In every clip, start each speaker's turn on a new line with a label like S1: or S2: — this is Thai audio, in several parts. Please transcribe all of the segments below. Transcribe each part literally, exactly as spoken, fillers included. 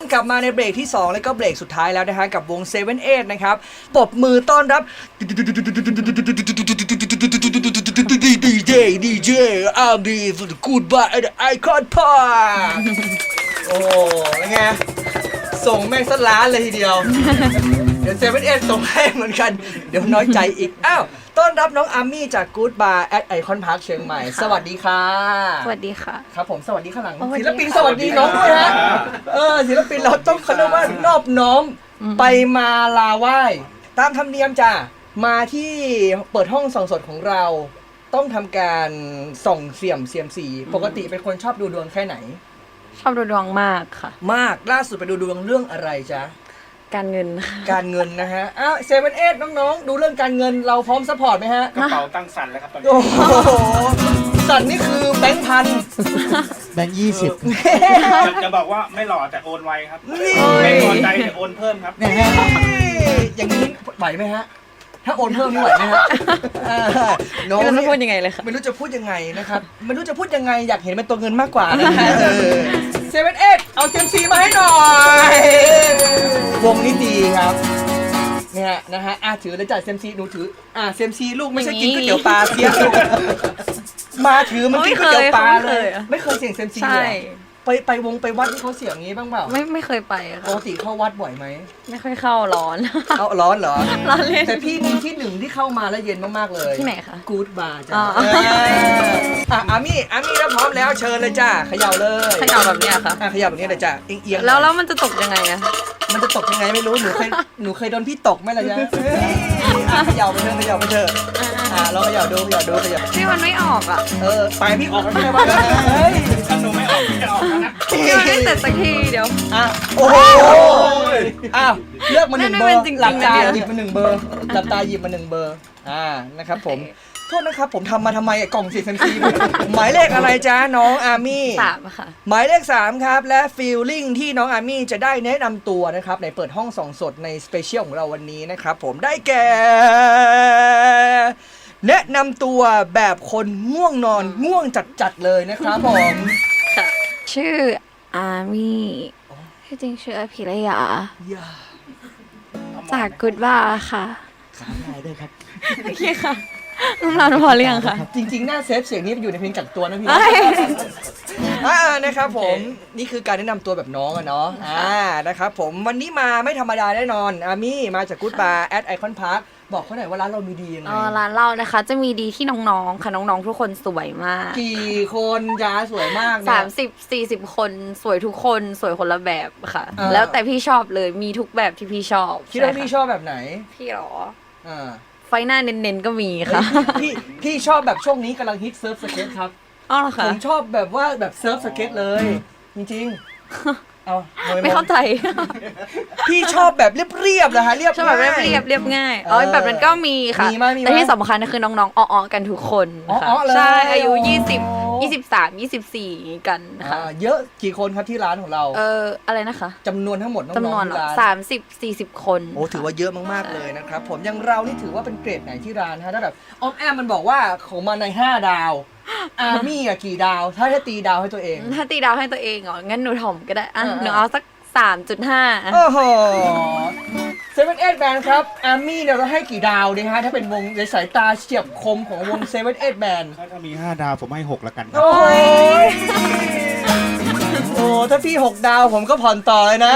S1: กลับมาในเบรกที่สองและก็เบรกสุดท้ายแล้วนะฮะกับวงเซเว่นเอทนะครับปรบมือต้อนรับดีเจดีเจอาร์บีฟูดกูดบายไอคอนพาร์โอ้เป็นไงส่งแม่งสล้านเลยทีเดียวเดี๋ยวเซเว่นเอทส่งให้เหมือนกันเดี๋ยวน้อยใจอีกอ้าวต้อนรับน้องอาร์มี่จากกูดบาร์แอดไอคอนพาร์คเชียงใหม่สวัสดีค่ะ
S2: สวัสดีค่ะ
S1: ครับผมสวัสดีข้างหลังศิลปินสวัสดีน้องด้วยฮะเออศิลปินเราต้องเขาเรียกว่านอบน้อมไปมาลาไหว้ตามธรรมเนียมจ้ะมาที่เปิดห้องส่องสดของเราต้องทำการส่องเสี่ยมเซียมซีปกติเป็นคนชอบดูดวงแค่ไหน
S2: ชอบดูดวงมากค่ะ
S1: มากล่าสุดไปดูดวงเรื่องอะไรจ๊ะ
S2: การเงิน
S1: การเงินนะฮะอ้าวเซเว่นเอทน้องๆดูเรื่องการเงินเราพร้อมซัพพอร์ตไหมฮะ
S3: กระเป๋าตั้งสั่นแล้วครับตอนนี้
S1: โอ้โหสั่นนี่คือแบงค์พัน
S4: แบงค์ยี่สิบ
S3: จะบอกว่าไม่หล่อแต่โอนไวครับไม่พอใจแต่โอนเพิ่มครับ
S1: อย่างนี้ไหวไหมฮะถ้าโอนเพิ่มนี่ไหวไหมฮะ
S2: น้องไม่รู้จะพูดยังไงเลยค่ะ
S1: ไม่รู้จะพูดยังไงนะครับไม่รู้จะพูดยังไงอยากเห็นเป็นตัวเงินมากกว่านะฮะเซเว่นเอทเอาเจมซีมาให้หน่อยวงนี้ดีครับเนี่ยนะฮะอ่ะถือเลยจ่ายเซมซีหนูถืออ่ะเซมซีลูกไม่ใช่กินก๋วยเตี๋ยวปลาเสียมาถือมันกินก๋วยเตี๋ยวปลาเลยไม่เคยเสี่ยงเซมซีเลยไปไปวงไปวัดที่เขาเสี่ยงงี้บ้างเปล่า
S2: ไม่ไม่เคยไป
S1: ปกติเข้าวัดบ่อยไหม
S2: ไม่ค่อยเข้าร้อน
S1: เอาร้อนเหรอ
S2: ร้อนเลย
S1: แต่พี่มีที่หนึ่งที่เข้ามาแล้วเย็นมากๆเลย
S2: ที่ไหนคะ
S1: กู๊ดบาร์จ้ะอ่ะอามี่อามี่แล้วพร้อมแล้วเชิญเลยจ้าเขย่าเลย
S2: เขย่าแบบนี้ค่ะ
S1: อ่ะเขย่าแบบนี้เลยจ้าเอียง
S2: ๆแล้วแล้วมันจะตกยังไงอะ
S1: มันจะตกยังไงไม่รู้หนูเคยหนูเคยโดนพี่ตกไหมล่ะจ๊ะเขย่าไปเถอะเขย่าไปเถอะอ่ะลองเขย่าดูเขย่าดูเขย่า
S2: พี่มันไม่ออกอ่ะ
S1: เออไปพี่ออกแล้วใช่ไหมเฮ้ย
S3: ถ้าหนูไม่ออกพี่จะออกแล้วนะ
S2: พี่มันไม่เสร็จสักทีเดี๋ยว
S1: อ่ะโอ้โหอ้าวเลือกมาหนึ่งเบอร์หลับตาหยิบมาหนึ่งเบอร์หลับตาหยิบมาหนึ่งเบอร์อ่านะครับผมโทษนะครับผมทำมาทำไมกล่องสีเซมซีหมายเลขอะไรจ๊ะน้องอาร์มี่
S2: สามค่ะ
S1: หมายเลขสามครับและฟีลลิ่งที่น้องอาร์มี่จะได้แนะนำตัวนะครับในเปิดห้องส่องสดในสเปเชียลของเราวันนี้นะครับผมได้แก่แนะนำตัวแบบคนง่วงนอนง่วงจัดๆเลยนะครับผม
S2: ค่ะชื่ออาร์มี่ที่จริงชื่ออภิรยาจากกุดบ้าค่ะ
S4: สามนายด้วยครับ
S2: โอเคค่ะน้ำลายพอเรียงค่ะ
S1: จริงๆหน้าเซฟเสียงนี้อยู่ในเพลงกักตัวนะพี่อ่านะครับผมนี่คือการแนะนำตัวแบบน้องอะเนาะอ่านะครับผมวันนี้มาไม่ธรรมดาแน่นอนอามี่มาจากกู๊ดบาร์แอดไอคอนพาร์คบอกเขาหน่อยว่าร้านเรามีดียังไง
S2: อ๋อร้านเรานะคะจะมีดีที่น้องๆค่ะน้องๆทุกคนสวยมาก
S1: กี่คนจ้าสวยมาก
S2: สามสิบสี่สิบคนสวยทุกคนสวยคนละแบบค่ะแล้วแต่พี่ชอบเลยมีทุกแบบที่พี่ชอบ
S1: คิดว่าพี่ชอบแบบไหน
S2: พี่หรอ
S1: อ่า
S2: ไฟหน้าเน้นๆก็มีค่ะ
S1: พี่พี่ชอบแบบช่วงนี้กำลังฮิตเซิร์ฟสเก็ตครับ
S2: อ๋อเหรอคะ
S1: ผมชอบแบบว่าแบบเซิร์ฟสเก็ตเลยจริงๆเอา
S2: ไม่เข้าใจ
S1: พี่ชอบแบบเรียบๆเหรอฮะเรียบ
S2: ชอบแบบเรียบเรียบง่ายอ๋อแบบนั้นก็มีค่ะแต่ที่สำคัญคือน้องๆอ้อๆกันทุกคนค่ะใช่อายุยี่สิบ ยี่สิบสาม ยี่สิบสี่กันค่ะ
S1: เยอะกี่คนครับที่ร้านของเรา
S2: เอออะไรนะคะ
S1: จำนวนทั้งหมดน้องๆ
S2: จำนวนสามสิบ สี่สิบคน
S1: โอ้ถือว่าเยอะมากๆเลยนะครับผมอย่างเรานี่ถือว่าเป็นเกรดไหนที่ร้านฮะถ้าแบบอ้อมแอมมันบอกว่าของมาในห้าดาวอาร์มี่อะกี่ดาวถ้าจะตีดาวให้ตัวเอง
S2: ถ้าตีดาวให้ตัวเองเหรองั้นหนูถ่อมก็ได้อ่ะหนูเอาสัก สามจุดห้า
S1: โอ้โหเซเว่นเอทแบนด์ครับอาร์มี่เนี่ยเราให้กี่ดาวดีฮะถ้าเป็นวงในสายตาเฉียบคมของวงเซเว่นเอทแบนด์
S3: ถ้ามีห้าดาวผมให้หกละกันครับ
S1: โอ้ยโอ้ถ้าพี่หกดาวผมก็ผ่อนต่อเลยนะ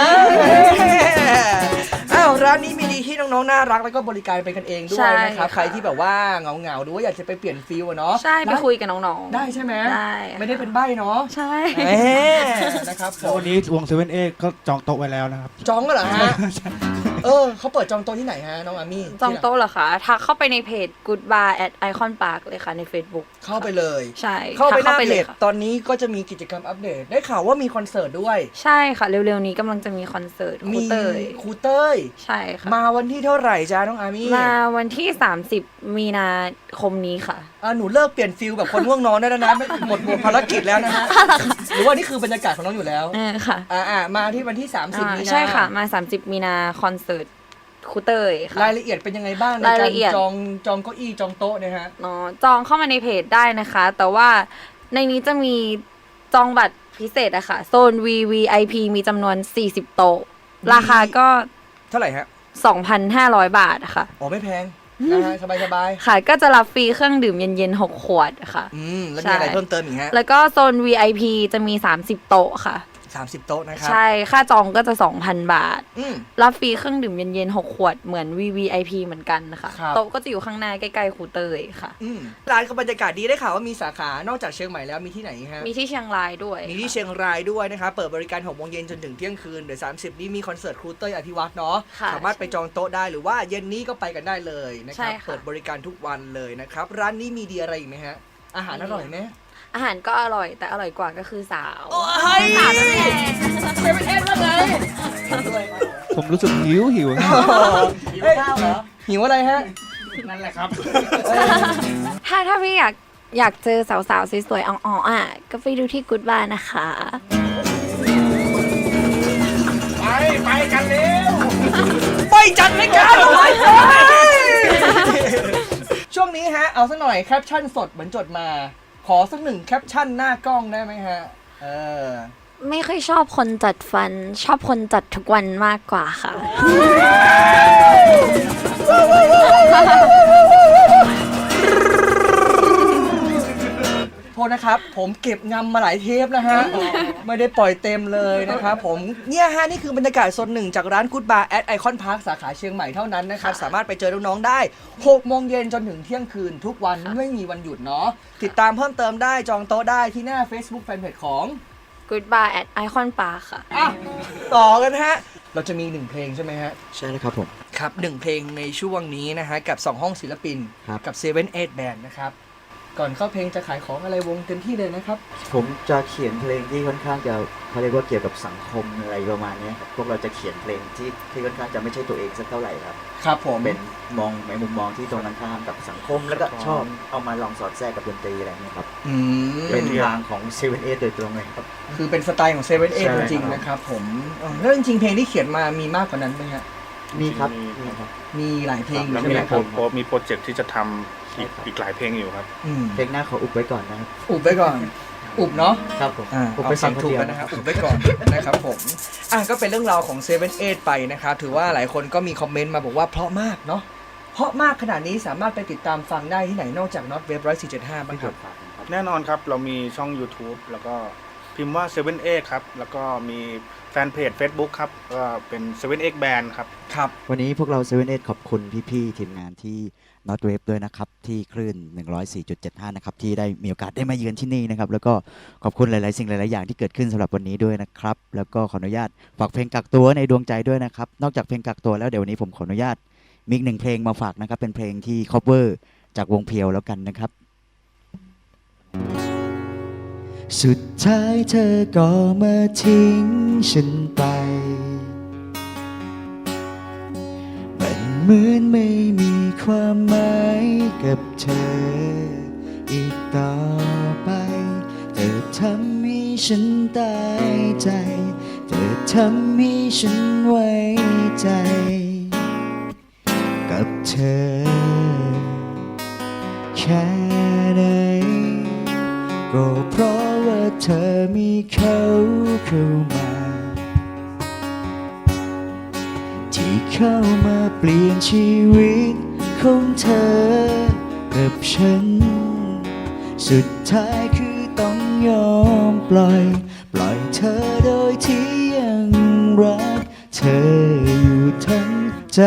S1: อ้าวร้านนี้มีดีที่น้องๆน่ารักแล้วก็บริการเป็นกันเองด้วยนะครับใครที่แบบว่าเหงาๆหรือว่าอยากจะไปเปลี่ยนฟีลเนาะ
S2: ใช่ไปคุยกับน้อง
S1: ๆได้ใช่ไหม
S2: ได้
S1: ไม่ได้เป็นใบ้เนาะ
S2: ใช่
S1: นะครับ
S4: วันนี้วงเซเว่นเอทก็จองโต๊ะไว้แล้วนะครับ
S1: จองก็เหรอฮะเออเขาเปิดจองโต๊ะที่ไหนฮะน้องอามี่
S2: จองโต๊ะเหรอคะทักเข้าไปในเพจ Good Bar at Icon Park เลยค่ะใน Facebook
S1: เข้าไปเลย
S2: ใช่
S1: เข้าไปหน้าเพจตอนนี้ก็จะมีกิจกรรมอัปเดตได้ข่าวว่ามีคอนเสิร์ตด้วย
S2: ใช่ค่ะเร็วๆนี้กำลังจะมีคอนเสิร์ตครูเต้ย
S1: ครูเต้ย
S2: ใช่ค่ะ
S1: มาวันที่เท่าไหร่จ้าน้องอามี่
S2: มาวันที่สามสิบมีนาคมนี้ค่ะ
S1: อ่าหนูเลิกเปลี่ยนฟิลแบบคนง่วงนอนได้แล้วนะหมดหมดภารกิจแล้วนะฮะหรือว่านี่คือบรรยากาศของน้องอยู่แล้ว
S2: เออค่ะ
S1: อ่ามาที่วันที่สามสิบมีนา
S2: ใช่ค่ะมาสามสิบมีนาคอนเสิร์ตครูเต้ยค่ะ
S1: รายละเอียดเป็นยังไงบ้างในการจองจองเก้าอี้จองโต๊ะเนี่ยฮะ
S2: อ๋อจองเข้ามาในเพจได้นะคะแต่ว่าในนี้จะมีจองบัตรพิเศษอะค่ะโซน วี วี ไอ พี มีจำนวนสี่สิบโต๊ะราคาก็
S1: เท่าไหร่ฮะ
S2: สองพันห้าร้อย บาทอะค่ะ
S1: อ๋อไม่แพงนะฮะสบายสบาย
S2: ค่ะก็จะรับฟรีเครื่องดื่มเย็นๆหกขวดค่ะ
S1: อืมแล้วมีอะไรเพิ่มเติมอีกฮะ
S2: แล้วก็โซน วี ไอ พี จะมีสามสิบโต๊ะค่ะ
S1: สามสิบโต๊ะนะครับ
S2: ใช่ค่าจองก็จะ สองพัน บาท
S1: อืม
S2: รับฟรีเครื่องดื่มเย็นๆหกขวดเหมือน วี วี ไอ พี เหมือนกันนะคะ
S1: ครับ
S2: โต๊ะก็จะอยู่ข้างหน้าใกล้ๆครูเตยค่ะ
S1: อืมร้านเขาบรรยากาศดีได้ข่าวว่ามีสาขานอกจากเชียงใหม่แล้วมีที่ไหนอีกฮะ
S2: มีที่เชียงรายด้วย
S1: มีที่เชียงรายด้วยนะครับเปิดบริการหกโมงเย็นจนถึงเที่ยงคืนเดี๋ยวสามสิบนี้มีคอนเสิร์ตครูเต้ยอภิวัฒน์เนาะ
S2: ค่ะ
S1: สามารถไปจองโต๊ะได้หรือว่าเย็นนี้ก็ไปกันได้เลยนะครับ
S2: ใช่ค่ะ
S1: เปิดบริการทุกวันเลยนะครับร้านนี้มีดีอะไรอีกไหมฮะอาหารอร่อยไหม
S2: อาหารก็อร่อยแต่อร่อยกว่าก็คือสาว
S1: โอ้ยสาวนั่นเองเซเว่นเอ็ดว่าไง
S4: ผมรู้สึกหิวหิว
S1: หิวข้าวเหรอหิวอะไรฮะ
S3: นั่นแหละครับ
S2: ถ้าถ้าพี่อยากอยากเจอสาวๆสวยๆอ่องๆอ่ะก็ไปดูที่กู๊ดบาร์นะคะ
S3: ไปไปกันเร็ว
S1: ไปจัดรายการไปช่วงนี้ฮะเอาสักหน่อยแคปชั่นสดเหมือนจดมาขอสักหนึ่งแคปชั่นหน้ากล้องได้ไหมฮะเออ
S2: ไม่ค่อยชอบคนจัดฟันชอบคนจัดทุกวันมากกว่าค่ะ
S1: โทษนะครับผมเก็บงำมาหลายเทปนะฮะไม่ได้ปล่อยเต็มเลยนะครับผมเนี่ยฮะนี่คือบรรยากาศโซนหนึ่งจากร้านกู๊ดบาร์แอดไอคอนพาร์คสาขาเชียงใหม่เท่านั้นนะครับสามารถไปเจอน้องๆได้หกโมงเย็นจนถึงเที่ยงคืนทุกวันไม่มีวันหยุดเนาะติดตามเพิ่มเติมได้จองโต๊ะได้ที่หน้า Facebook Fanpage ของ
S2: กู๊ดบาร์แอดไอคอนปาร์คค่ะ
S1: อ่ะต่อกันฮะเราจะมีหนึ่งเพลงใช่ไหมฮะ
S5: ใช่เลยครับผม
S1: ครับหนึ่งเพลงในช่วงนี้นะฮะกับสองห้องศิลปิน
S5: ครับ
S1: กับเซเว่นเอ็ดแบนด์นะครับก่อนเข้าเพลงจะขายของอะไรวงเต็มที่เลยนะครับ
S5: ผมจะเขียนเพลงที่ค่อนข้างจะเขาเรียกว่าเกี่ยวกับสังคมอะไรประมาณนี้ครับพวกเราจะเขียนเพลงที่ที่ค่อนข้างจะไม่ใช่ตัวเองสักเท่าไหร่ครับ
S1: ครับผม
S5: เป็นมองในมุมมองที่ตรงกันข้ามกับสังคม แล้วก็ชอบเอามาลองสอดแทรกกับดนตรีอะไรเงี้ยครับ
S1: อืม
S5: เป็นทางของเซเว่นเอโดยตรงเลยครับ
S1: คือเป็นสไตล์ของเซเว่นเอ็ด
S5: ใช่
S1: จริง
S5: ครับ
S1: ๆนะครับผมเออแล้วจริงๆเพลงที่เขียนมามีมากกว่านั้นไหมฮะ
S5: มีครับ
S3: มี
S5: มีครับ
S1: มีหลายเพลงอ
S3: แล้ว
S1: ยู่ใช่
S3: มี
S1: ไหม
S3: โป
S1: ค
S3: ร
S1: รับ
S3: โปรมีโปรเจกต์ที่จะทำอีกอีกหลายเพลงอยู่ครับ
S1: อืม
S5: เพลงหน้าขออุบไว้ก่อนนะครับ
S1: อุบไว้ก่อนอุบเนาะ
S5: ครับผม
S1: อ่า
S5: อุบ
S1: เอา
S5: ไป
S1: ฟั
S5: ฟั
S1: ง
S5: ง
S1: ถู
S5: ถู
S1: ก
S5: ก
S1: กั
S5: กัน น
S1: นะ
S5: นะ
S1: ค
S5: ค
S1: รั
S5: รั
S1: บบ อุบไว้ก่อนนะครับผมอ่ะก็เป็นเรื่องราวของเซเว่นเอ็ดไปนะครับถือว่าหลายคนก็มีคอมเมนต์มาบอกว่าเพราะมากเนาะเพราะมากขนาดนี้สามารถไปติดตามฟังได้ที่ไหนนอกจาก Not Web หนึ่งสี่เจ็ดห้าบ้างครับ
S3: แน่นอนครับ เรามีช่อง YouTube แล้วก็พิมพ์ว่า เซเว่นเอ็ด ครับ แล้วก็มีแฟนเพจ Facebook ครับ ก็เป็น เซเว่นเอ็ด Band ครับ
S1: ครับ
S5: วันนี้พวกเราเซเว่นเอขอบคุณพี่ๆทีมงานที่ Not Wave ด้วยนะครับที่คลื่น หนึ่งร้อยสี่จุดเจ็ดห้า นะครับที่ได้มีโอกาสได้มาเยือนที่นี่นะครับแล้วก็ขอบคุณหลายๆสิ่งหลายๆอย่างที่เกิดขึ้นสำหรับวันนี้ด้วยนะครับแล้วก็ขออนุญาตฝากเพลงกักตัวในดวงใจด้วยนะครับนอกจากเพลงกักตัวแล้วเดี๋ยววันนี้ผมขออนุญาตมีอีกหนึ่งเพลงมาฝากนะครับเป็นเพลงที่ cover จากวงเพียวแล้วกันนะครับสุดท้ายเธอก็มาทิ้งฉันไปมันเหมือนไม่มีความหมายกับเธออีกต่อไปเธอทำให้ฉันตายใจเธอทำให้ฉันไว้ใจกับเธอแค่ไหนก็เพราะว่าเธอมีเขาเข้ามาที่เข้ามาเปลี่ยนชีวิตของเธอกับฉันสุดท้ายคือต้องยอมปล่อยปล่อยเธอโดยที่ยังรักเธออยู่ทั้งใจ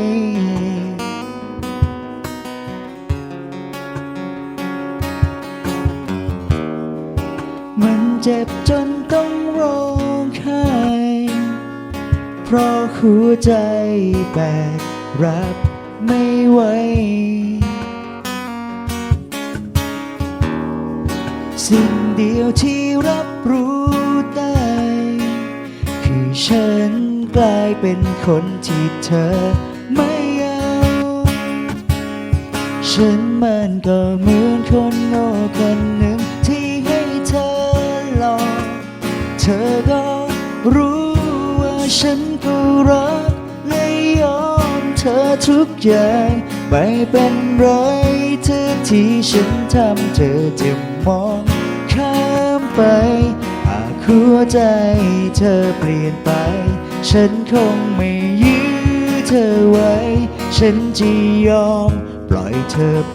S5: มันเจ็บจนต้องร้องไห้เพราะหัวใจแบกรับไม่ไหวสิ่งเดียวที่รับรู้ได้คือฉันกลายเป็นคนที่เธอไม่เอาฉันมันก็เหมือนคนโง่คนหนึ่งที่ให้เธอหลอกเธอก็รู้ว่าฉันก็รักและยอมเธอทุกอย่างไม่เป็นไรเธอที่ฉันทำเธอจะมองข้ามไปหากหัวใจเธอเปลี่ยนไปฉันคงไม่ยื้อเธอไว้ฉันจะยอมปล่อยเธอไป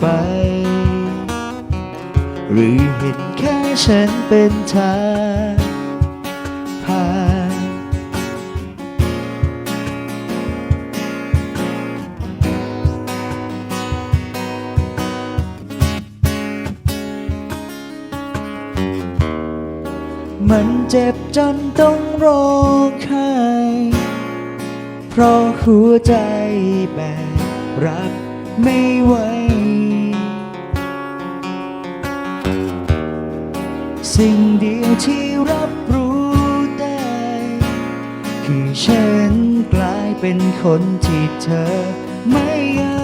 S5: หรือเห็นแค่ฉันเป็นทางผ่านมันเจ็บจนต้องร้องไห้เพราะหัวใจแบกรับไม่ไหวสิ่งเดียวที่รับรู้ได้คือฉันกลายเป็นคนที่เธอไม่เอา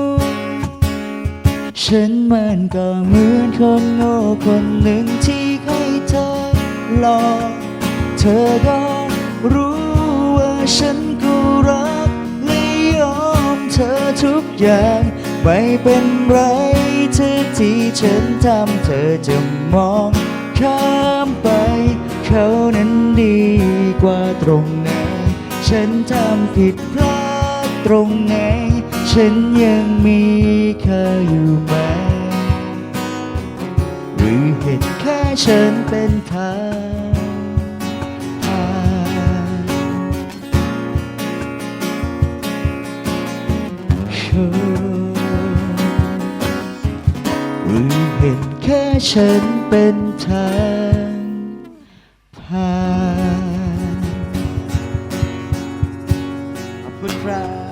S5: ฉันมันก็เหมือนคนโง่คนหนึ่งที่ให้เธอหลอกเธอก็รู้ว่าฉันก็รักและยอมเธอทุกอย่างไม่เป็นไรเธอที่ฉันทำเธอจะมองข้ามไปเขานั้นดีกว่าตรงไหนฉันทำผิดพลาดตรงไหนฉันยังมีเธออยู่ไหมหรือเห็นแค่ฉันเป็นทางผ่านหรือเห็นแค่ฉันเป็นทางผ่านขอบคุณครับ